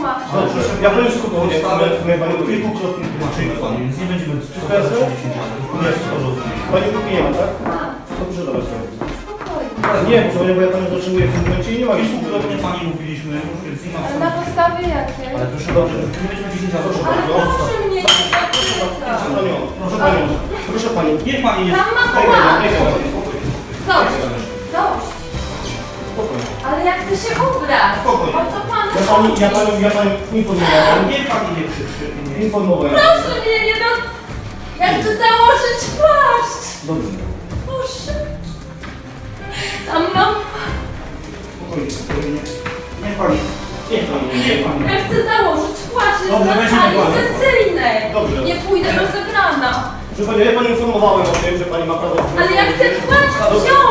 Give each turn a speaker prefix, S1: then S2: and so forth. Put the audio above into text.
S1: wytłumaczę.
S2: Dobrze, ja powiem wszystko
S3: My panią kilkukrotnie tłumaczymy panu, więc nie będziemy
S2: Wszystko jasne?
S3: Nie, wszystko rozumiem.
S2: Pani grupy nie ma, tak?
S1: Mam.
S2: Dobrze, dobra, sobie.
S1: Spokojnie.
S2: Nie, proszę, bo ja panią zatrzymuję w tym momencie i nie ma już
S3: Kilkukrotnie pani mówiliśmy, więc nie ma
S1: Ale
S3: sensu.
S1: na podstawie jakiej?
S3: Ale proszę dobrze, nie będziemy 10 razy
S2: Proszę
S1: Ale
S2: bardzo.
S1: proszę mnie nie
S2: Proszę
S1: dotykać.
S2: panią, proszę panią, proszę panią.
S3: Niech pani nie...
S1: Tam ma
S2: Spokojnie,
S1: płat.
S2: niech pani, spokojnie.
S1: Dość. Dość.
S2: Spokojnie.
S1: Ale ja chcę się ubrać.
S3: Spokojnie.
S1: O co pan
S2: Ja panią informowałem.
S3: Niech pani nie krzyczy.
S2: Informowałem.
S1: Proszę mnie nie do... Ja chcę założyć płaszcz.
S2: Dobrze.
S1: Proszę. Tam mam...
S3: Spokojnie, spokojnie. Niech pani... Niech pani.
S1: Ja chcę założyć płaszcz. Jest
S3: Dobrze,
S1: na
S3: weźmy
S1: sali
S3: płaszcz.
S1: sesyjnej.
S2: Dobrze.
S1: Nie pójdę rozebrana.
S2: Proszę panią, ja panią informowałem o tym, że pani ma prawo...
S1: Ale ja chcę płaszcz
S2: Dobrze,
S1: wziąć.